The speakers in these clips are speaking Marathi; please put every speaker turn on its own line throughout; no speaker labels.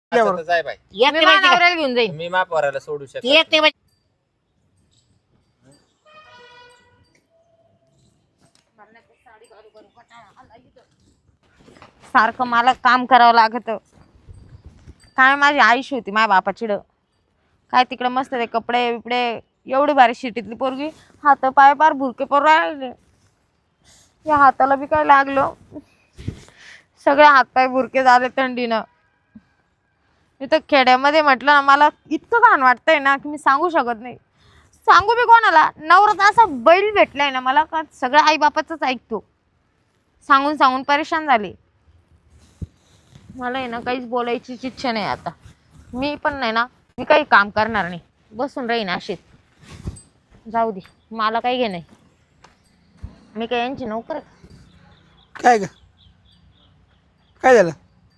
असं तर जाय बाई.
येत
मी
नाही
माझ्या
माहिती का?
नवऱ्याला घेऊन जाईन.
मी मा पोराला सोडू शकत
येत नाही माहिती.
सारखं मला काम करावं लागत. काय माझी आयुष्य होती माझ्या बापाचिड. काय तिकडे मस्त ते कपडे बिपडे एवढी भारी शिटीतली पोरगी. हात पाय पार भुरके पर राहिले. या हाताला बी काय लागलं. सगळे हातपाय भुरके झाले थंडीनं. इथं खेड्यामध्ये म्हटलं ना मला इतकं घाण वाटतंय ना की मी सांगू शकत नाही. सांगू बी कोणाला. नवरा तर असा बैल भेटलाय ना मला का सगळं आई बापाचंच ऐकतो. सांगून सांगून परेशान झाले. मला आहे ना काहीच बोलायचीच इच्छा नाही आता. मी पण नाही ना मी काही काम करणार नाही. बसून राहीन अशीच. जाऊ दे मला काही घे नाही. मी काय यांची नोकर आहे?
काय ग काय झालं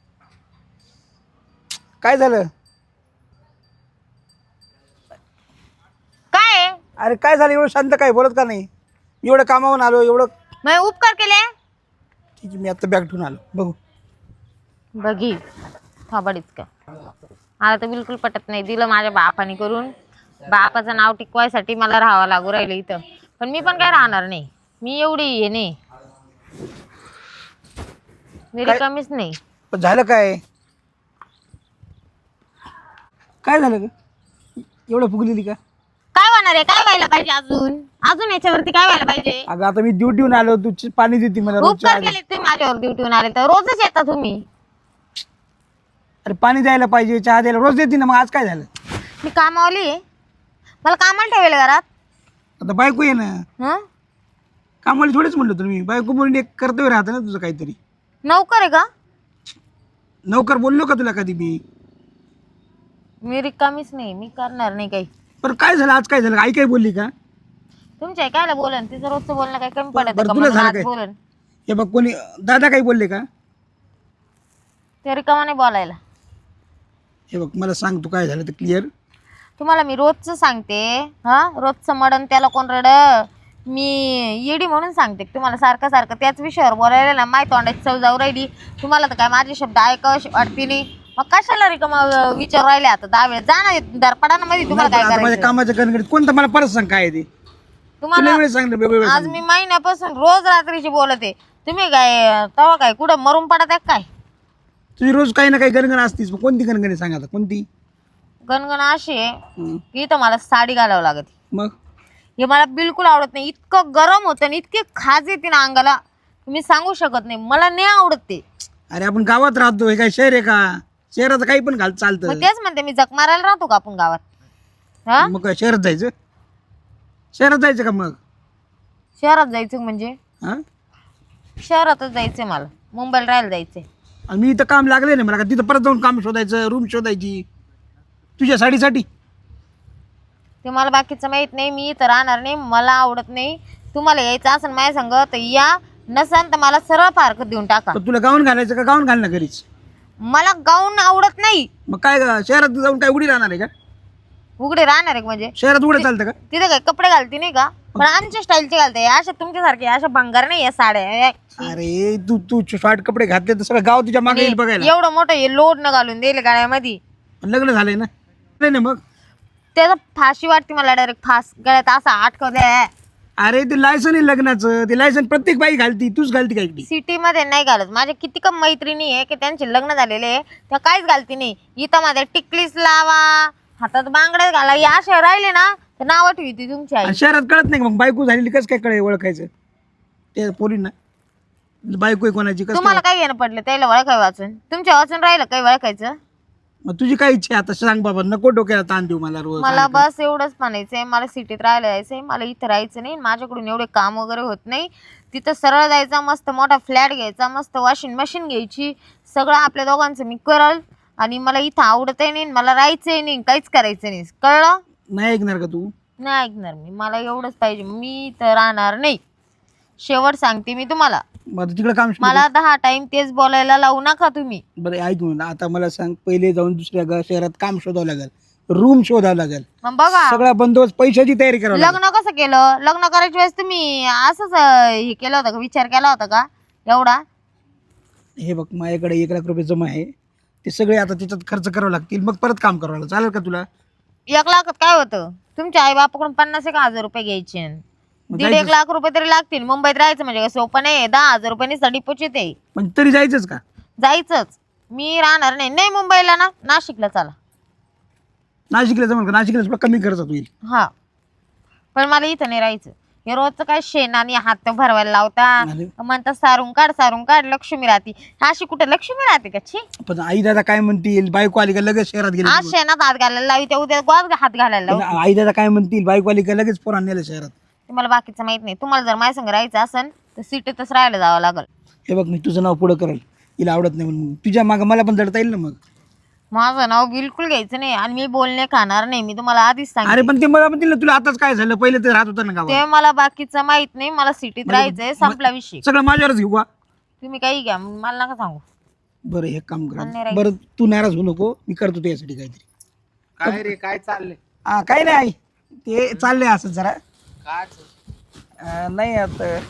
काय झालं
काय आहे?
अरे काय झालं एवढं शांत काय बोलत का नाही एवढं कामावून आलो एवढं
मी उपकार केले.
ठीक आहे मी आता बॅग ठेवून आलो बघू
बघी थोबाडीच का. मला तर बिलकुल पटत नाही. दिलं माझ्या बापाने करून. बापाचं नाव टिकवायसाठी मला राहावं लागू राहिलं इथं. पण मी पण काय राहणार नाही. मी एवढी हे नाही. मी रिकामीच नाही.
पण झालं काय काय झालं ग एवढं फुगलेली का
काय होणार आहे? काय व्हायला पाहिजे अजून? अजून याच्यावरती काय व्हायला पाहिजे?
अगं आता मी ड्युटीहून आलो तू पाणी देते मला रोजच्या
उपकार
आधी.
केले तुम्ही माझ्यावर ड्युटीहून आले तर. रोजच येता तुम्ही.
अरे पाणी द्यायला पाहिजे चहा द्यायला रोज देते ना मग आज काय झालं
मी कामावली आहे. मला कामाला ठेवेल घरात.
आता बायको ये ना
हं?
कामाला थोडीच म्हणलं तुम्ही बायको म्हणून एक कर्तव्य राहतं ना तुझं काहीतरी
नोकर आहे का?
नौकर बोललो का तुला कधी
मी रिकामीच नाही. मी करणार नाही काही.
पण काय झालं आज काय झालं आई काय बोलली का
तुमच्या कायला बोलन? तिचं रोजचं बोलणं काही कमी पडत
बरं,
का?
तुला
म्हणून
झालं
आज
काय?
बोलन.
हे बघ कोणी दादा काही बोलले का
ते रिकामा नाही बोलायला.
हे बघ मला सांग तू काय झालं ते क्लिअर
तुम्हाला मी रोजचं सांगते. हा रोजचं मडन त्याला कोण रड. मी येडी म्हणून सांगते तुम्हाला सारखं सारखं त्याच विषयावर बोलायला ना. माय तोंडाची चव जाऊ राहिली. तुम्हाला तर काय माझे शब्द ऐकावं वाटते नाही. मग कशाला रिकामा विचार राहिले आता 10 वेळेस जा ना दरपडाना मध्ये. तुम्हाला काय
आता माझ्या
करायचं?
कामाच्या गणगणित कोणतं मला परत सांग काय आहे ते
तुम्हाला
वेळ सांगितलं वेगवेगळं
आज मी महिन्यापासून रोज रात्रीची बोलते. तुम्ही काय तेव्हा काय कुठं मरून पडत आहे काय?
तुझी रोज काही ना काही गणगण असतीस मग कोणती गणगणी सांग आता कोणती
गणगण अशी आहे की इथं मला साडी घालावं लागते.
मग
हे मला बिलकुल आवडत नाही. इतकं गरम होतं आणि इतके खाज येते ना अंगाला मी सांगू शकत नाही. मला नाही आवडत ते.
अरे आपण गावात राहतो हे काय शहर आहे का शहरात काही पण घाल चालतं
मग तेच म्हणते मी जग मारायला राहतो का आपण गावात? हा
मग काय शहरात जायचं का मग
शहरात जायचं म्हणजे
हा
शहरातच जायचंय मला. मुंबईला राहायला जायचंय.
आणि मी इथं काम लागले ना मला का तिथं परत जाऊन काम शोधायचं रूम शोधायची तुझ्या साडीसाठी
ते मला बाकीचं माहित नाही. मी इथं राहणार नाही. मला आवडत नाही. तुम्हाला यायचं असं माझ्या संग तर या. नसन तर मला सरळ पार्क देऊन टाका.
तर तुला गाऊन घालायचं का गाऊन घालणं घरीच
मला गाऊन आवडत नाही.
मग काय शहरात जाऊन काय उडी राहणार आहे का
उघडे राहणार आहे म्हणजे
शहरात उघडं चालतं का
तिथे काय कपडे घालते नाही का? पण आमच्या स्टाईलचे घालते. अशा तुमच्यासारखे अशा भंगार नाही या साड्या.
अरे तू तू शॉर्ट कपडे घातले तर सगळं गाव तुझ्या मागे येईल बघायला
एवढं मोठं हे लोड न घालून दिले गाड्यामध्ये.
लग्न झालंय ना नाही ना मग
त्याचा फाशी वाटते मला. डायरेक्ट फास गळ्यात असा अटकवलंय.
अरे ते लायसन आहे लग्नाचं ते लायसन प्रत्येक बाई घालती तूच घालती काय एकटी
सिटी मध्ये नाही घालत. माझ्या किती कम मैत्रिणी आहे की त्यांचे लग्न झालेले आहे त्या काहीच घालती नाही. इथं माझ्या टिकलीस लावा हातात बांगड्यात घाला या अशा राहिले ना तर नाव ठेवते तुमची आई.
आणि शहरात कळत नाही का मग बायको झालेली कसं काय कळे ओळखायचं ते पोरींना बायको आहे कोणाची कसं
तुम्हाला काय घेणं पडलं त्याला ओळखाय वाचून? तुमच्या वाचून राहिलं काही ओळखायचं?
मग तुझी काय इच्छा आहे आता सांग बाबा नको डोक्याला ताण देऊ मला रोज
मला बस एवढंच म्हणायचंय. मला सिटीत राहायला जायचंय. मला इथं राहायचं नाही. माझ्याकडून एवढे काम वगैरे होत नाही. तिथं सरळ जायचा मस्त मोठा फ्लॅट घ्यायचा मस्त वॉशिंग मशीन घ्यायची सगळं आपल्या दोघांचं मी करल. आणि मला इथं आवडतही नाही मला राहायचंही नाही काहीच करायचं नाही. कळलं?
नाही ऐकणार का तू
नाही ऐकणार मी. मला एवढंच पाहिजे. मी इथं राहणार नाही. शेवट सांगते मी तुम्हाला.
मग तिकडे काम
मला 10 टाइम तेच बोलायला लावू नका तुम्ही.
बरं ऐक म्हणून आता मला सांग पहिले जाऊन दुसऱ्या शहरात काम शोधावं लागेल रूम शोधावं लागेल
मग बघा
सगळा बंदोबस्त पैशाची तयारी करावी लागेल
लग्न कसं केलं? लग्न करायच्या वेळेस तुम्ही असंच हे केलं होतं का? विचार केला होता का एवढा?
हे बघ माझ्याकडे 1 लाख रुपये जमा आहे ते सगळे आता त्याच्यात खर्च करावे लागतील, मग परत काम करावं लागेल. चालेल का तुला?
1 लाखात काय होतं? तुमच्या आई बापाकडून 50,000 रुपये घ्यायचे.
मग
1.5 लाख रुपये तरी लागतील. मुंबईत राहायचं म्हणजे काय सोपं नाही. 10,000 रुपयांनी डिपॉझिट आहे.
पण तरी जायचंच का?
जायचंच. मी राहणार नाही. नाही मुंबईला ना, नाशिकला चला.
नाशिकला जमल का? नाशिकला थोडा कमी खर्चात होईल.
हा, पण मला इथं नाही राहायचं. हे रोजचं काय शेण आणि हात भरवायला लावता,
अरे.
म्हणतात सारून काढ लक्ष्मी राहते. अशी कुठे लक्ष्मी राहते का? छी.
पण आई दादा काय म्हणतील? बायको आली का लगेच शहरात गेली?
आज शेणात हात घालायला लावी, त्या उद्या गोद हात घालायला लावू.
पण आई दादा काय म्हणतील? बायको आली का लगेच पोरांना नेलं शहरात.
तुम्हाला बाकीचं माहित नाही. तुम्हाला जर माझ्या संग राहायचं असेल तर सिटीतच राहायला जावं लागल.
हे बघ, मी तुझं नाव पुढं करेल. हिला आवडत नाही म्हणून तुझ्या मागं मला पण जडता येईल ना मग.
माझं नाव बिलकुल घ्यायचं नाही आणि मी बोलणे खाणार नाही. मी तुम्हाला आधीच
अरे
सांगितलं.
पण ते मला म्हणतील ना, तुला आताच काय झालं? पहिले ते राहत होतं ना गावात.
ते मला बाकीचं माहित नाही. मला सिटीत राहायचंय. संपला विषय.
सगळं माझ्यावरच घेऊ का?
तुम्ही काही घ्या, मला नका सांगू.
बरं हे काम
मला नाही
कर.
राहायचं.
बरं तू नाराज होऊ नको, मी करतो तुझ्यासाठी काहीतरी.
काय रे काय चाललंय?
हा काय नाही आई, ते चाललंय असं जरा.
काय
नाही आता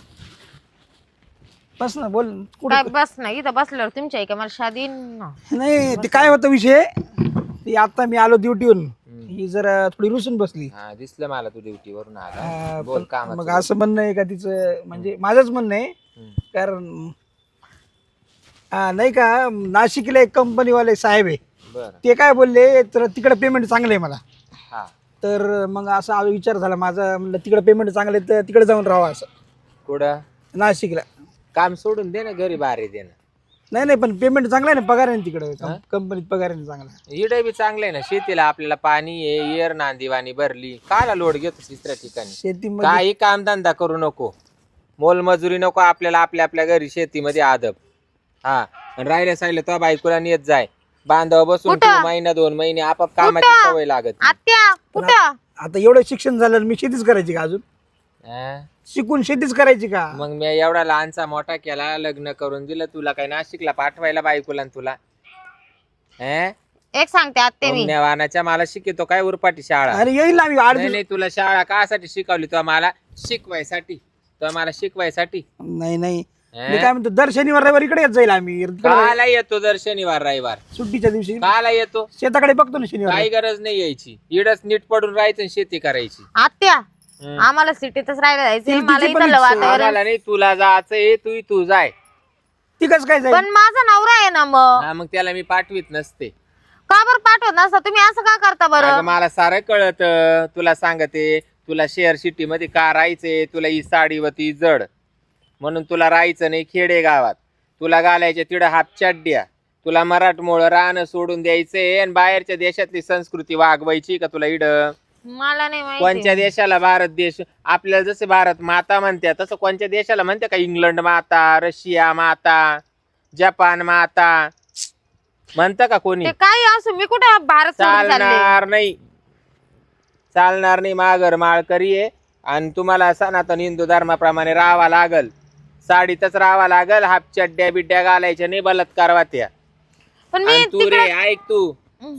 बस ना, बोल
काय
कुठं.
बस नाही, इथं बसल्यावर तुमच्या का मला शादी न.
नाही ते काय होतं विषय, ते आता मी आलो ड्युटीवरून, ही जरा थोडी रुसून बसली.
हा दिसलं मला तू ड्युटी वरून आला.
हा,
बोल
पण
काम.
मग असं म्हणणं आहे का तिचं, म्हणजे माझंच म्हणणं आहे. कारण नाही का, नाशिकला एक कंपनीवाले साहेब आहे,
बर.
ते काय बोलले तर तिकडे पेमेंट चांगलं आहे मला.
हा
तर मग असा विचार झाला माझा, म्हणलं तिकडे पेमेंट चांगलं आहे तर तिकडे जाऊन राहावं असं
कुठं
नाशिकला.
काम सोडून दे ना, घरी बाहेर दे ना.
नाही पण पेमेंट चांगलं आहे ना, पगार आहे ना तिकडे, कंपनीत पगार आहे ना चांगला.
इडे बी चांगलं आहे ना. शेतीला आपल्याला पाणी आहे, येर नांदीवाणी भरली. काला लोड घेतो तिसऱ्या ठिकाणी?
शेतीमध्ये
काही कामधंदा करू नको, मोलमजुरी नको. आपल्याला आपल्या घरी शेतीमध्ये आदब. हा, आणि राहिल्या साहिल्या तो बायकोला नेत जाय, बांधव बसून
कुठं?
तू महिना 2 महिने आपाप कामाची
कुठं?
सवय लागत.
आत्या कुठं?
आता एवढं शिक्षण झालं, मी शेतीच करायची का अजून?
हा?
शिकून शेतीच करायची का?
मग मी एवढा लहानचा मोठा केला, लग्न करून दिलं तुला, काय नाशिकला पाठवायला बायकोला न तुला?
एक सांगते आत्या मी.
वाहनाच्या मला शिकतो काय उरपाटी शाळा?
अरे येईल ना मी 8
नाही नाही, तुला शाळा कासाठी शिकवली? तो मला शिकवायसाठी, तो मला शिकवायसाठी.
नाही मी काय म्हणतो, दर शनिवार रविवार इकडे येत जाईल आम्ही.
काला येतो दर शनिवार रविवार?
सुट्टीच्या दिवशी
काला येतो?
शेताकडे बघतो ना शनिवार.
काही गरज नाही यायची, इडच नीट पडून राहायचं आणि शेती करायची.
आत्या आम्हाला सिटीतच राहायला जायचंय.
ती
मला
तिची पण
इथलं
इच्छा आहे.
वातावरण.
आम्हाला नाही, तुला जायचंय तू जाय.
ती कसं काय जाईल?
पण माझा नवरा आहे ना. मग
हा, मग त्याला मी पाठवीत नसते.
का बरं पाठवत नसता तुम्ही? असं का करता
अगं,
बरं?
मला सारं कळत. तुला सांगते, तुला शहर सिटी मध्ये का राहायचंय? तुला ही साडी होती जड म्हणून तुला राहायचं नाही खेडे गावात. तुला घालायच्या तिडं हाफ चड्ड्या. तुला मराठमोळं राहणं सोडून द्यायचंय आणि बाहेरच्या देशातली संस्कृती वागवायची का तुला इड?
मला नाही
कोणत्या
माहिती.
देशाला भारत देश? आपल्याला जसे भारत माता म्हणतात तसं कोणत्या देशाला म्हणते का? इंग्लंड माता, रशिया माता, जपान माता म्हणतं का कोणी?
ते काही असो, मी कुठे भारत सोडून चालले?
चालणार नाही. माघर माळकरी आहे आणि तुम्हाला सनातन हिंदू धर्माप्रमाणे राहावा लागल. साडीतच राहावा लागल. हाफ चड्ड्या बिड्ड्या घालायच्या नाही, बलात्कार वात्या.
पण मी
आणि तू रे
तिकडे
ऐक, तू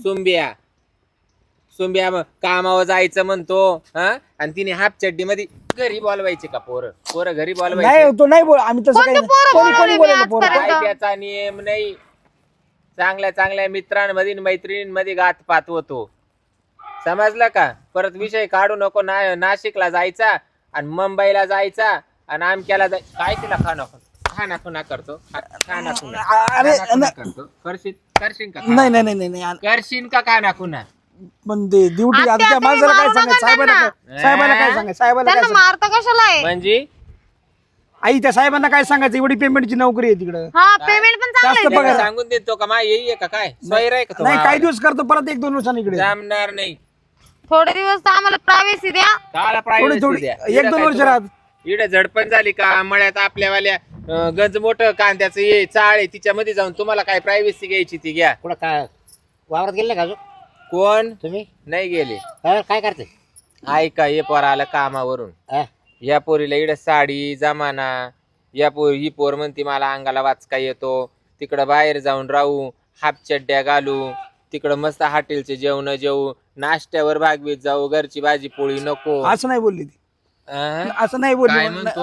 सुंब्या कामावर जायचं म्हणतो, हा? आणि तिने हाफ चड्डी मध्ये घरी बोलवायचे का? पोरं घरी बोलवायचे?
नाही तो नाही बोल, आम्ही तसं काही
कोणते पोरं
कोणी
बोलवले मी
बोलायला पोरं.
आजपर्यंत?
काय त्याचा नियम नाही. चांगल्या मित्रांमध्ये मैत्रिणींमध्ये घातपात होतो, समजलं का? परत विषय काढू नको. नाशिकला जायचा आणि मुंबईला जायचा आणि आमक्याला काय तिला खाना करतो.
अरे
करतो. करशील का?
नाही
करशील का खाना खुना?
पण ते ड्युटी
आत्या,
आता त्या
तुम्ही
माणसाला काय
मारू
सांगायचं?
नका
साहेबांना काय सांगायचं? साहेबाला काय
त्यांना मारता कशाला आहे?
म्हणजे
आई त्या साहेबांना काय सांगायचं? एवढी पेमेंटची नोकरी आहे तिकडं.
हा, पेमेंट पण चांगलं
जास्त
आहे.
बघा.
त्याला सांगून देतो का मा येई का? काय स्वैर आहे का तो?
नाही काही दिवस करतो, परत 1-2 वर्षांनी इकडे.
जमणार नाही.
थोडे दिवस तर आम्हाला प्रायव्हसी द्या.
काला
थोडी
प्रायव्हसी द्या.
1-2 वर्ष राहत.
इकडे झडपण झाली का मळ्यात आपल्यावाल्या गंज मोठं कांद्याचं ये चाळ आहे, तिच्यामध्ये जाऊन तुम्हाला काय प्रायव्हसी घ्यायची ती घ्या.
कुठं काय वावरात गेले का अजून
कोण
तुम्ही?
नाही गेले?
काय करते?
ऐका, हे पोर आलं कामावरून. या पोरीला इकडे साडी जमाना. ही पोर म्हणती मला अंगाला वाचका येतो, तिकडं बाहेर जाऊन राहू, हाफ चड्ड्या घालू, तिकडं मस्त हॉटेलचे जेवण जेवू, नाश्त्यावर भागवीत जाऊ, घरची भाजी पोळी नको.
असं नाही बोलली ती,
अं?
असं नाही
काय
बोलली.
म्हणतो?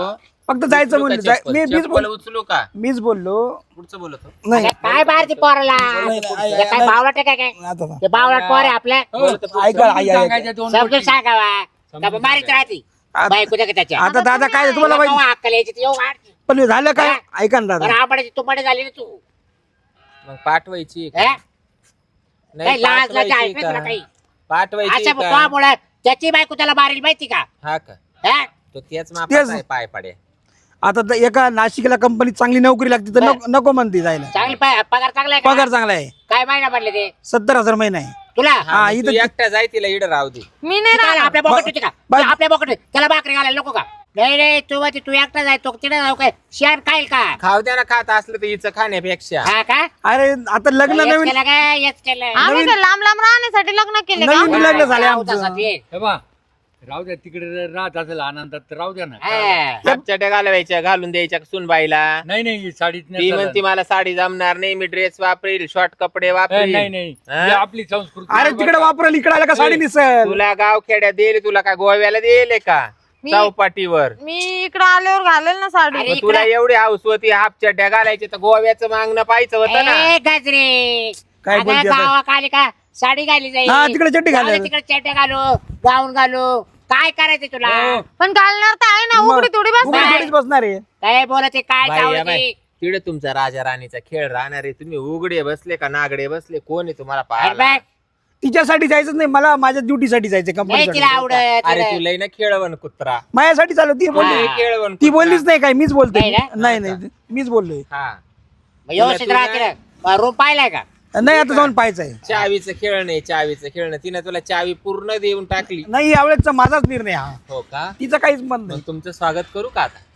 फक्त जायचं म्हणलं
चप्पल उचलू का
मीच बोललो
पुढचं बोलतो
नाही
अरे काय बाहेर ती पोराला
नाही,
हे काय बावळट आहे काय
आता
ते बावळट पोर आहे आपल्या
ऐका आई आई
समजून सांगावा का मारित राहते बायको का त्याच्या
आता दादा काय तुम्हाला माहिती
अक्कल यायची ती येऊ वाढ.
पण झालं काय ऐका ना दादा
बरं आपणाची तुंबाडे झाली ना तू
मग पाठवायची का?
हे?
नाही,
काही लाज लाज
पाठवायची
आहे का तुला
का?
काही
पाठवायची
असं
का?
तुझ्यामुळे त्याची बायको त्याला मारेल माहिती का
हा का
हे?
तो तेच मापाचा आहे पाय पाड्या
आता एका नाशिकला कंपनीत चांगली नोकरी लागते तर नको म्हणते जायला
चांगली पगार चांगला आहे का?
पगार चांगला आहे
काय महिना म्हणले ते
70,000 महिना आहे
तुला
हा, मग
इथं-
तू एकटा जाय तिला इड राहू दे
मी नाही
काय
राहणार.
आपल्या बॉकेट होती का
बाय-
आपल्या बॉकेट त्याला भाकरी घालायला नको का नाही रे तू म्हणते तू एकटा जाय तो तिथे जाऊ काय शेअर खाईल का
खाऊ द्या ना खात असलं तर हिचं खाण्यापेक्षा
हा का
अरे आता लग्न
हेच
नवीन
केलं काय हेच केलं
आम्ही काय लांब लांब राहण्यासाठी लग्न केले का
नवीन लग्न झाले
राहू
आमचं
तसा ते.
हे बा राहू द्या तिकडे राहत असेल आनंदात तर राहू द्या ना
हा.
हापचट्या घालवायच्या घालून द्यायच्या सुनबाईला
नाही नाही साडीत
ती
नाही
म्हणती मला साडी जमणार नाही मी ड्रेस वापरील शॉर्ट कपडे
चालत.
वापरील
नाही नाही
हा?
ही आपली संस्कृती
अरे तिकडे वापरल इकडे आला का साडी निसल
तुला गाव खेड्यात देईल तुला का गोव्याला देईल का
मी-
चौपाटीवर
मी इकडे आल्यावर घालेल ना साडी
अरे
मग तुला एवढी हाऊस होती हाफ चड्ड्या घालायची तर गोव्याचं मागणं पाहायचं होतं ना
ए गाजरे
काय
अगं
बोलते आता?
गावात आली का साडी घाली जाईल
हा, तिकडे चड्डी घालायला.
जाऊ दे, तिकडे चड्ड्या घालू गाऊन घालू काय करायचं तुला
हो.
पण घालणार तर आहे ना उघडी थोडी बस
उघडी थोडीच बसणार आहे
काय बोलते काय
बाई, या
चावलं
बाई,
ते?
तिकडे तुमचा राजा राणीचा खेळ राहणार आहे तुम्ही उघडे बसले का नागडे बसले कोण आहे तुम्हाला
अरे
पाहायला
बाय,
तिच्यासाठी जायचं नाही मला माझ्या ड्युटीसाठी जायचं
नाही
कंपनीसाठी
तिला आवडत
अरे तुला ना खेळवण कुत्रा
माझ्यासाठी चालू ती बोलली
बोलली खेळवण
ती बोललीच नाही काय मीच बोलते
नाही ना?
नाही नाही मीच बोललोय
हा
मग व्यवस्थित
तुला-
राहते ना रूम पाहिलाय का
नाही आता जाऊन पाहायचं आहे
चावीचं खेळ नाही चावीचं खेळणं तिने तुला चावी पूर्ण देऊन टाकली
नाही यावेळेसचा माझाच निर्णय हा
हो का
तिचं काहीच मत
मग
नाही
तुमचं स्वागत करू का आता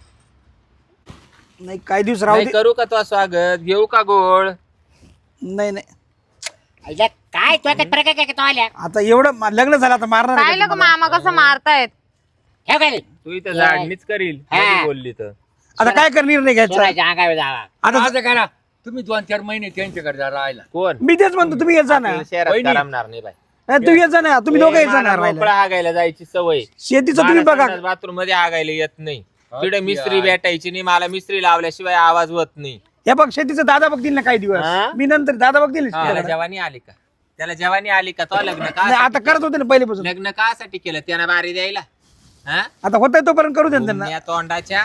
नाही काही दिवस राहू
नाही
दे
करू का तो स्वागत घेऊ का गोळ
नाही नाही
आईला काय तुला काय प्रकार काय तो आल्या
आता एवढं लग्न झालं आता मारणार आहे
पाहिलं
का
का
तुम्हाला?
मामा कसं मारतायत
हे काय
तू इथं झाडणीच करील
हा.
कधी बोलली तर
आता काय कर निर्णय घ्यायचा
सोनाच्या अंगावर जावा
आता
असं करा तुम्ही 2-4 महिने त्यांच्याकडे जा राहायला
कोण
मी तेच म्हणतो तुम्ही येत जा ना
आपल्याला शहरात
वहिनी.
करमणार नाही बाई
नाही, तू येत जा ना तुम्ही दोघं येत जा ना राहायला
मोकळा हागायला जायची सवय
शेतीचं तुम्ही बघा
बाथरूम मध्ये हागायला येत नाही तिकडे
अच्छा.
मिस्त्री भेटायची नाही मला मिस्त्री लावल्याशिवाय आवाज होत नाही
हे बघ शेतीचं दादा बघतील ना काही दिवस
हा?
मी नंतर दादा बघतील
त्याला जवानी आली का त्याला जवानी आली का तो लग्न
नाही,
का
आता करत होते ना पहिलेपासून
लग्न कासाठी केलं त्यानं बारी द्यायला हा
आता होत तोपर्यंत करू दे ना त्यांना
या तोंडाच्या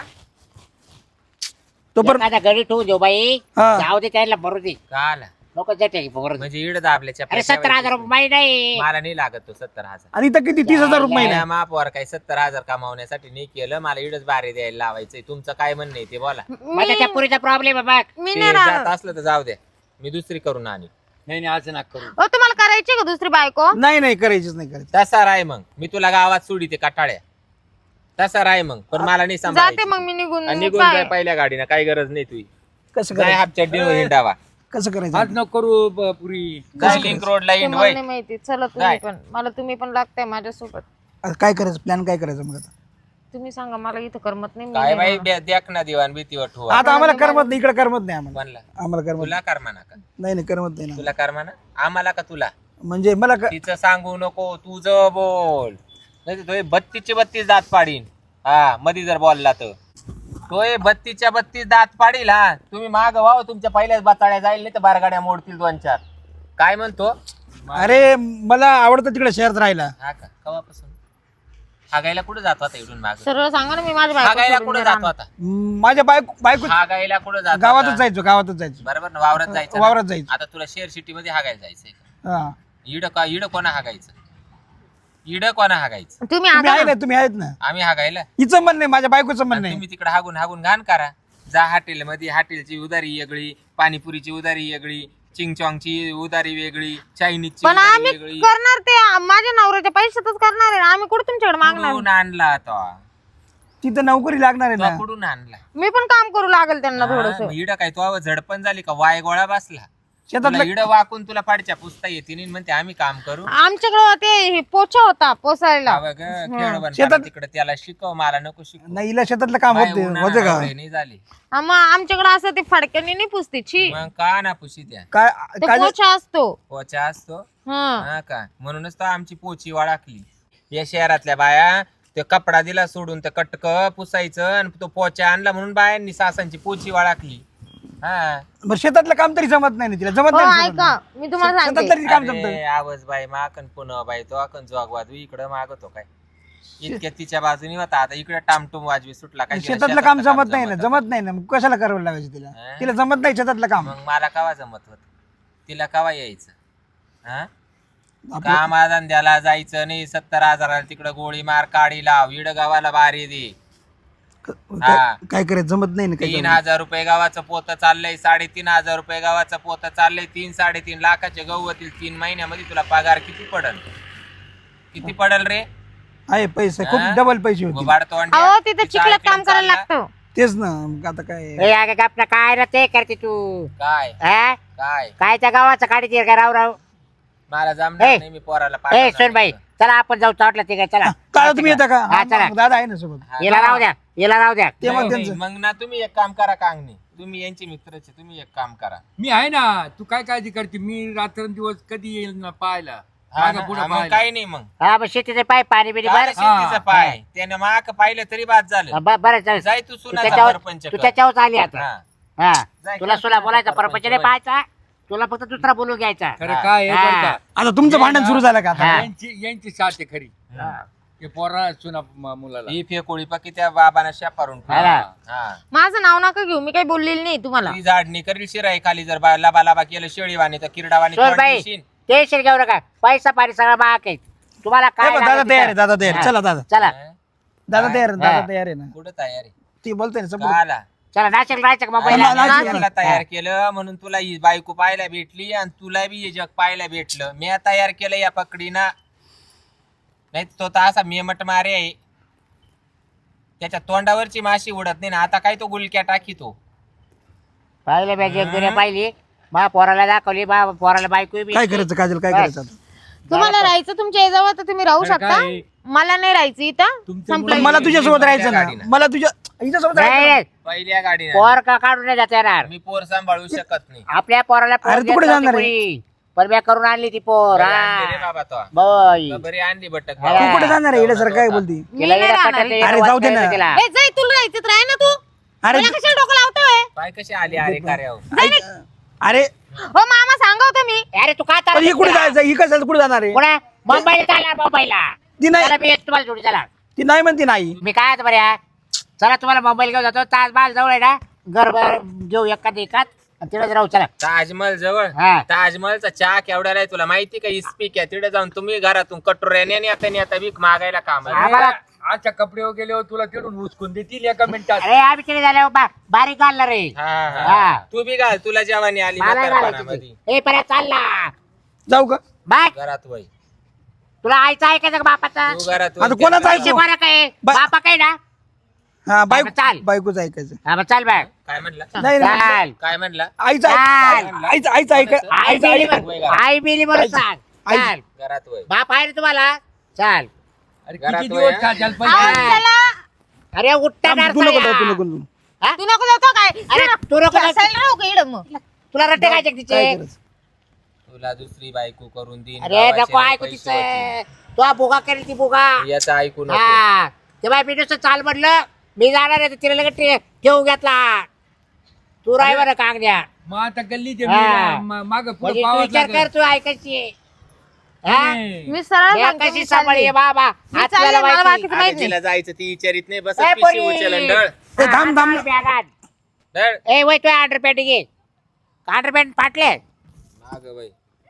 तोपर्यंत
एखादा घरी ठेवू देऊ बाई
हा.
जाऊ दे त्याला भरू दे
काला
नको जाते बरोबर
म्हणजे इड दाबल्याच्या
अरे 17,000 रुपये बाई नाही
मला नाही लागत तो 70,000
आणि इथं किती 30,000 रुपये महिना
महिना मापवर काही 70,000 कमावण्यासाठी नाही केलं मला इडच बारी द्यायला लावायचंय तुमचं काय म्हणणं आहे ते बोला
मग त्या पुरीचा प्रॉब्लेम आहे बघ
मी
ते
नाही
जात
राहणार
असलं तर जाऊ द्या मी दुसरी करून आणि
नाही नाही असं नका करू
ओ तुम्हाला करायची का दुसरी बायको
नाही नाही करायचीच नाही करायची
तसा राय मग मी तुला गावात सोडी ते काटाळ्या तसा राय मग पण मला नाही
जाते
सांभाळायची
मग मी निघून
आणि निघून
काय?
जाय पहिल्या गाडीनं काही गरज नाही तुझी
कसं
काय
करायचं
हापच्या हिंडावा
कसं करायचं
आज नको करू पुरी
काय लिंक रोडला
ते
हिंड
मला
वय
नाही माहिती चला
काय?
तुम्ही पण मला तुम्ही पण लागताय माझ्यासोबत
आता काय करायचं प्लॅन काय करायचं मग आता
तुम्ही सांगा मला इथं करमत नाही मी
काय
नाही
बाई देख ना दिवाण भीतीवर ठेवा
आता आम्हाला करमत नाही इकडे करमत नाही आम्हाला
म्हणला
आम्हाला करमत
तुला करमाना का
नाही नाही करमत नाही ना
तुला करमाना आम्हाला का तुला
म्हणजे मला
तिचं सांगू नको तुझं बोल नाही तर 32 दात पाडीन हा मधी जर बोलला तर तोय 32 दात पाडील हा तुम्ही माग व्हाव तुमच्या पहिल्याच बाताळ्या जाईल नाही तर बारगाड्या मोडतील 2-4 काय म्हणतो
अरे मला आवडतं तिकडे शहरात राहायला
हा का कवापासून हागायला कुठे जातो आता इकडून माग
सरळ सांगा ना मी माझ्या
हागायला
बायको
कुठे जातो आता
माझ्या बायको
हागायला कुठे जातो
गावातच
आता?
जायचो गावातच जायचो
बरोबर ना वावरात जायचं ना?
वावरात जायचं.
आता तुला शेअर सिटी मध्ये हागायला जायचंय का?
हा
इड कोणा हागायचं इड कोणा हागायचं
तुम्ही
तुम्ही
आता
आहे ना तुम्ही आहेत ना
आम्ही हागायला
हिचं म्हणणं आहे माझ्या बायकोचं म्हणणं आहे
तुम्ही तिकडे हागून हागून घाण करा जा हॉटेल मध्ये हॉटेलची उदारी वेगळी पाणीपुरीची उदारी वेगळी चिंगचॉंगची उदारी वेगळी चायनीजची
पण
उदारी
आम्ही
वेगळी
करणार ते माझ्या नवऱ्याच्या पैशातच करणार आहे आम्ही कुठे तुमच्याकडे मागणार
कुठून आणला तो
तिथं नोकरी लागणार आहे
तो
ना
कुठून आणला
मी पण काम करू लागेल त्यांना थोडस
इड काय तो झडपण झाली का वाय गोळा बसला
शेतातलं
इड वाकून तुला पाडच्या पुसता येते नाही म्हणते आम्ही काम करू
आमच्याकडं ते हे पोछा होता पोसायला
हा बघ, खेळ बन
शेतात-
तिकडे त्याला शिकव मला नको शिकव
नाही हिला शेतातलं काम
बाय
होते
उन्हाळा
होते का
एवढे नाही झाली
मग आमच्याकडे असं ते फडक्याने नाही पुसते छी
मग का ना पुशी त्या
काय
तो
काय
पोछा असतो
पोचा असतो
हा
हा का म्हणूनच तर आमची पोची वळाकली या शहरातल्या बाया ते कपडा दिला सोडून ते कटक पुसायचं आणि तो पोचा आणला म्हणून बायांनी सासांची पोची वाळाकली. हा
बरं शेतातलं काम तरी जमत नाही ना तिला, जमत
हो
नाही
ऐका मी तुम्हाला
शेतात
सांगते
तरी काम
अरे,
जमत.
आवाज बाई माकन पुन्हा बाई तो अकन जोगवाद इकडं मागतो काय इतक्या तिच्या बाजूनी होता आता इकडे टामटूम वाजवी सुटला काय
शेतातलं काम जमत नाही ना, जमत नाही ना, मग कशाला करावं लागायचं तिला?
हा?
तिला जमत नाही शेतातलं काम.
मग मला कवा जमत होत तिला कवा यायचं? हा
आपलं-
काम धंद्याला जायचं नाही 70,000 तिकडं गोळी मार काढी लाव इड गावाला बारी दे.
काय करायचं जमत नाही ना काही.
3,000 रुपये गावाचं पोत चाललंय 3,500 रुपये गावाचं पोत चाललंय 3-3.5 लाखाचे गहू होतील 3 महिन्यामध्ये तुला पगार किती पडल रे?
आहे पैसे खूप
हा?
डबल पैसे होते.
वाढतो
अहो तिथे चिखलात काम करायला लागतं.
तेच ना, मग आता काय.
ए अगं गप ना, काय रे ते करते तू?
काय
हा?
काय
काय त्या गावाचं काढते का राव?
मला जमणार
ए,
नाही मी पोराला
ए
पाठवणार
सोनबाई
नाही.
चला आपण जाऊ चाटलं ते काय चला.
काळ तुम्ही येता का?
हा, चला.
मग दादा आहे ना सोबत.
हा,
याला राहू द्या, याला राहू द्या.
ते मग
नाही,
त्यांचं
मग ना तुम्ही एक काम करा कांगणे तुम्ही यांचे मित्रचे तुम्ही एक काम करा.
मी आहे ना, तू काय काळजी करते? मी रात्रंदिवस कधी येईल ना पाहायला,
हा
मागं
ना,
पुढं
हा, मग
पाहायला.
काही नाही मग
हा मग शेतीचे पाय पाणी बिणी
काय
बरं
शेतीचा पाय त्याने माक पाहिलं तरी बाद झालं.
बरं चालेल.
जाय तू
तू
सुनाचा
त्याच्यावर
सरपंच
तू
कर.
त्याच्यावर आली आता.
हा.
हा
जाय
तुला
कर,
सुला बोलायचा
सरपंच
परपंच नाही
बन.
पाहायचा, तुला फक्त दुसरा बोलून घ्यायचा.
खरं
हा.
काय आहे बरं
हा.
का?
आता तुमचं भांडण सुरू झालं का आता?
हा.
यांची साथ आहे खरी. ते पोरा सुना मुलाला
ही फेकोळी पकी त्या बाबांना शापारून
हा ना.
माझं नाव नका घेऊ, मी काही बोललेली नाही तुम्हाला.
ती झाडणी करील शिराई खाली जर लाबा लाबा केलं शेळीवाणी तर किरडावाणी
सोड
तोंड
बाई
दिशील.
टेन्शन घेऊ नका, पैसा पाणी सगळं महाग आहे. तुम्हाला
हे
काय
बघ, दादा
लागेल
तयार
ते
आहे, दादा तयार आहे.
हा.
चला दादा,
चला
दादा तयार आहे, दादा
हा.
तयार आहे ना.
कुठं तयारी
ती बोलते ना समोर.
काला
चला नाशिक राहायचं का
हा,
मुंबईला?
नाशिक.
तुला तयार केलं म्हणून तुला ही बायको पाहायला भेटली आणि तुला बी हे जग पाहायला भेटलं. मी तयार केलं या पकडीना, नाही तो तर असा मेमट मारे आहे त्याच्या तोंडावरची माशी उडत नाही ना. आता काय तो गुलक्या टाकीतो.
पाहिलं पाहिजे एक दुनिया पाहिली, मा पोराला दाखवली, मा पोराला बायको बी.
काय करायचं काजल, काय करायचं आता?
तुम्हाला राहायचं तुमच्या याजवळ तर तुम्ही राहू
खरं
शकता,
काय आहे?
मला नाही राहायचं इथं.
तुमच्या
संपलं.
मला तुझ्यासोबत राहायचं ना,
गाडीनं.
मला तुझ्या हिच्यासोबत राहायचं ना.
नाही,
पहिल्या गाडीने
पोर का काढून नाही जाता येणार.
मी पोर सांभाळू शकत नाही.
आपल्या पोराला पोर
अरे, तू
देत
कुठे
नव्हती
जाणार आहे?
कोणी. पण मी करून आणली ती पोर.
बरी आणली रे बाबा तो.
बाई
बरी आणली बटक
हा.
तू कुठे जाणार आहे? येण्यासारखं काय बोलती?
मी
तिला
नाही
येडं
राहणार
पटायचं,
इथं.
अरे,
येडं
जाऊ दे
वाटतं
ना.
तिला.
ए, जाई तुला राहायचं राह ना तू.
अरे
मला कशाला डोकं लावतोय?
पाय कशी आली अरे कार्यावर.
अरे
हो मामा सांगा होतं मी.
अरे तू का
पण ही कुठे जायचं? ही कशाला कुठे जाणार आहे?
पुढे मुंबईला चालला, मुंबईला.
ती नाही,
चला मी येतो तुम्हाला जोडी, चला.
ती नाही म्हणते नाही.
मी काय आता बऱ्या, चला तुम्हाला मुंबईला घेऊन जातो. ताजमहाल जवळ आहे ना, घर घेऊ एखाद एकात आणि तिथेच राहू. चला
ताजमहल जवळ
हा.
ताजमहलचा चहा केवढा आहे तुला माहिती का? इस्पिक आहे तिथे जाऊन तुम्ही घरातून कटोऱ्याने आता भीक मागायला काम आहे.
आम्हाला-
आजच्या कपडे गेल्यावर तुला तिकडून उचकून देतील एका मिनिटात.
अरे आम्ही तिथे झाल्यावर बारीक घालणार रे.
हा, हा.
हा.
तू बी घाल तुला जेवणी आली
मला
म्हातारपणामध्ये.
घालायची. ए परत चालला
जाऊ का?
बाय.
घरात वय
तुला आईचं ऐकायचं का बापाचा?
तू घरात
आता कोणाचं
पैसे
ऐकू?
बरं काय
बा-
बापा काय ना?
हा,
चाल.
बायकोच ऐकायचं.
हा मग चाल बाय.
काय म्हणला
नाही नाही.
चाल.
काय म्हणला?
आईचं
चाल.
आईचं आईचं ऐक
आई
आईचं
बिली
ऐक.
बरं- आई बिली बरोबर सांग.
आई-
चाल.
घरात वय
बाप आहे रे तुम्हाला? चाल.
अरे
घरात
किती
वया?
दिवस खाशाल
अहो,
पैसे?
चला.
अरे उठता
तू नको जाऊ, तू नको जाऊ.
तू नको जातो काय?
अरे, तू नको जाऊ.
बसायला राहू का इकडं मग?
तुला रट्टे काय
काय
तिचे?
करायचं?
तुला दुसरी बायको करून देईन
अरे
गावाचे
नको
लय
ऐकू
पैसे
तिचं.
होतील.
तू हा बुगा करेल ती बुगा.
याचं ऐकू नको.
हा ते बाय मी नुसतं चाल म्हटलं, मी जाणार आहे तर तिला लगेच ठेवून घेतला. तू राय बरं कागद्या.
मग आता गल्ली
हा.
माग पुढे
म्हणजे तू
पावाच
विचार
लागेल.
कर, तू ऐकायची हा?
नाही.
मी सरळ
या
सांगते,
कशी
मी
सांभाळी
चालली.
बाबा
मी
हात
चालले,
तुला
मला
माहिती.
बाकीचं माहित
अरे
नाही.
तिला जायचं ती विचारित नाही बस
ए,
पिशी
पोरी.
उचलन ढळ
ए, थांब थांब.
बॅगात.
ढळ
ए वय तू अंडरपॅन्ट घे. अंडरपॅन्ट फाटले.
माग वय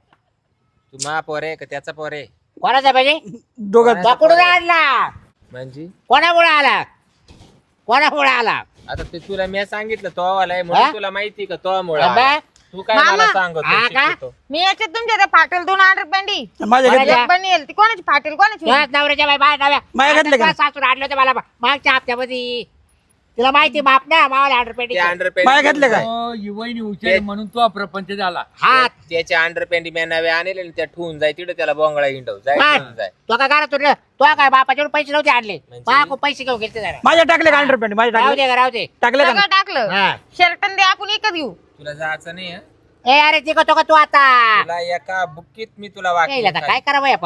तू मा पोर आहे का त्याचा पोर आहे
कोणाचा पाहिजे?
दोघं
तो कुठून आणला?
म्हणजे?
कोणामुळे आला? कोणामुळे आला?
आता ते तुला मी सांगितलं तो वाला आहे
हा?
म्हणून तुला माहिती का तो मुळे
अबे,
तू काय
मामा.
मला सांगतो
हा का?
शिकवतो.
मी याच्यात तुमच्या त्या फाटेल 2 अंडरपॅन्टी
माझ्या
कोणाच्या?
घेतल्या.
एक पण येईल ती कोणाची फाटेल कोणाची
तुझ्याच नवऱ्याच्या बाई बाय नव्या.
माझ्या घातले का?
सासून आणलं होतं मला मागच्या हप्त्यामध्ये. तिला माहिती बाप ना मावाला अंडरपॅन्ट
ते अंडरपॅन्ट
माझ्या घातले काय?
हो, ही वहिनी उचल म्हणून तो प्रपंच झाला.
हात
त्याच्या अंडरपॅन्ट मी नवे आणले आणि त्या ठेवून जाय तिकडे त्याला बोंगळा हिंडव जाय
बाय.
ठेवून जाय
तो का घरात तुला तो काय बापाच्यावर पैसे नव्हते आणले.
म्हणजे?
बापू पैसे घेऊन गेले जरा.
माझ्या टाकले का अंडरपॅन्ट? माझ्या
राहू
टाकले
दे का, राहू दे.
टाकले का
सगळं टाकलं.
हा.
शर्ट दे आपण एकच घेऊ.
तुला जायचं नाही हं?
ए अरे ते का तू आता
तुला एका बुक्कीत मी तुला
यायला आता
वाटलं
काय करावं या पोराला?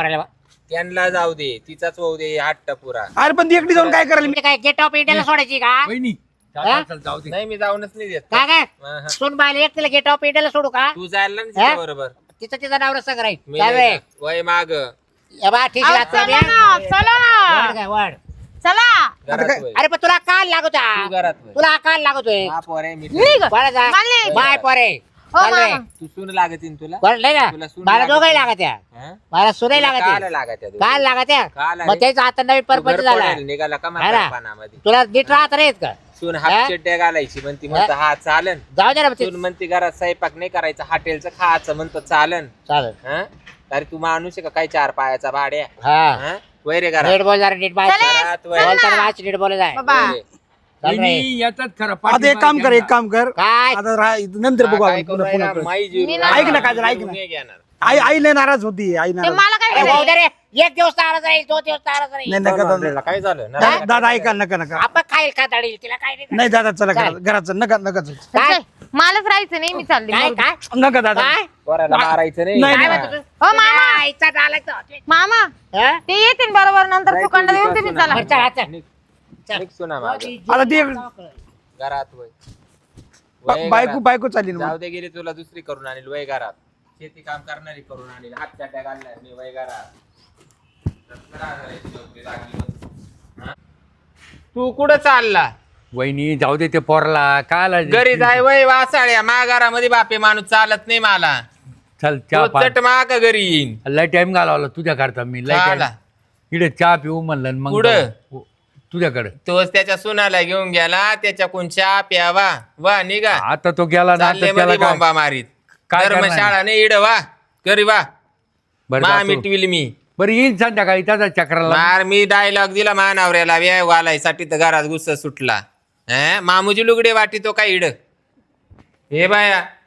त्यांना जाऊ दे, तिचाच होऊ दे हट्ट पुरा.
अरे पण ती एकटी जाऊन काय करायला
म्हणजे काय गेट ऑफ इंडियाला सोडायची का
वहिनी
हा?
चल जाऊ दे.
नाही मी जाऊनच नाही देत.
काय काय
हा, हा.
सून बायला एक तिला गेट ऑफ इंडियाला सोडू का
तू जायला ना
हा?
तिच्या बरोबर.
तिचं तिचा नवरा संग राहील
मी
चालेल.
नाही जात. वय माग
ए बा ठीक
अहो,
आहे
चला
आता
ना चला
वळ काय वळ
चला
घरात वय.
अरे पण तुला काल लागतो
तू घरात वय.
तुला काल लागतोय
हा पोरे मी
निघ
बरं जा
मानले.
बाय पोरे
हो
चाल रे.
मामा
तू सून लागतीन तुला.
बरं नाही
तुला
ना
सून
मला
लागत
दोघंही
नाही.
लागत आहे
हा?
मला सुनही
तुला
लागत
काल
आहे
लागत आहे
काल लागत आहे
काल
मग त्याचा आता नवीन
तू
परपंच
घर
झाला
पडेल, निघाला का
हा ना.
म्हातारपणामध्ये.
तुला नीट राहत नाहीत का
सून
हा?
हाफ चड्ड्या घालायची म्हणती म्हणतो हा चालन.
जाऊ दे ना
सून म्हणते घरात स्वयंपाक नाही करायचा हॉटेलचं खायचं म्हणतो चालन.
चालेल
हा? अरे तू माणूस आहे का काय 4 पायाचा भाड्या.
हा
हा? वय रे घरात.
नीट बोल जरा नीट बाय
चले,
घरात वय.
बोलताना वाच नीट बोल जाय
बाबा
वय रे.
चाल रे.
वहिनी येतात खरं
आता एक काम कर, एक काम कर.
काय
आता नंतर बघू
काय
आपण
करू
पुन्हा
राहिला?
पुन्हा करू.
माई जीव
मी
राहिला.
नाही-
ऐक ना, काजल, ऐक ना.
नाही घेणार.
आई लय नाराज होती, आई
ते
नाराज.
मला काय
अरे भाऊ
करायचं?
दे रे एक दिवस तारा जाईल 2 दिवस तारा जाईल
नाही नका दादा.
तुला काय झालं ना?
दादा ऐका, नका नका.
आपण खाईल खाताडील तिला काय नाही
नाही दादा चला
काय?
घरात चल, नका नका चल.
काय?
चल, मलाच राहायचं नाही मी चालले
काय
मरू दे.
काय
नका दादा.
काय
पोराला मारायचं नाही.
नाही,
काय
नाही.
म्हणतो तू?
हो, मामा.
आईचा डायलॉग तो.
मामा
हा?
ते येतील बरोबर नंतर
जाय
फुकंड
तू
देऊन
विकास
तुम्ही
सुना.
चला
बरं, चल, चल.
निघ. निघ सुना मागं.
आता ते
घरात वय. वय
बायको
घरात.
बायको चालली ना
जाऊ
मग.
दे गेली तुला दुसरी करून आणील वय घरात. शेती काम करणारी करून आणील हात चाट्या घालणार मी वय घरात. हा? तू कुठं चालला?
वहिनी जाऊ दे ते पोरला काय
घरी जाय वय वासाळ्या माघारामध्ये बापे माणूस चालत नाही मला.
चल चहा
तो चट माग घरी येईन.
लय टाइम घालवला तुझ्या करता मी लय
झाला.
time. इकडे चहा पिऊ म्हणलं आणि मग
कुठं?
जाऊ. तुझ्याकडे
तोच त्याच्या सुनाला घेऊन गेला त्याच्याकडून चहा प्यावा वा निघा.
आता तो गेला ना
चालले
आता त्याला
मध्ये
काय-
बॉम्बा मारीत.
काय करणार?
धर्मशाळा नाही इड वा घरी वा.
बरं
मा
जातो.
मिटविल मी.
बरं येईन संध्याकाळी त्याचा चक्राला
मार मी डायलॉग दिला मानावऱ्याला व्याय घालायसाठी तर घरात गुस्सा सुटला. मामूजी लुगडे वाटी तो काय इड. हे बाया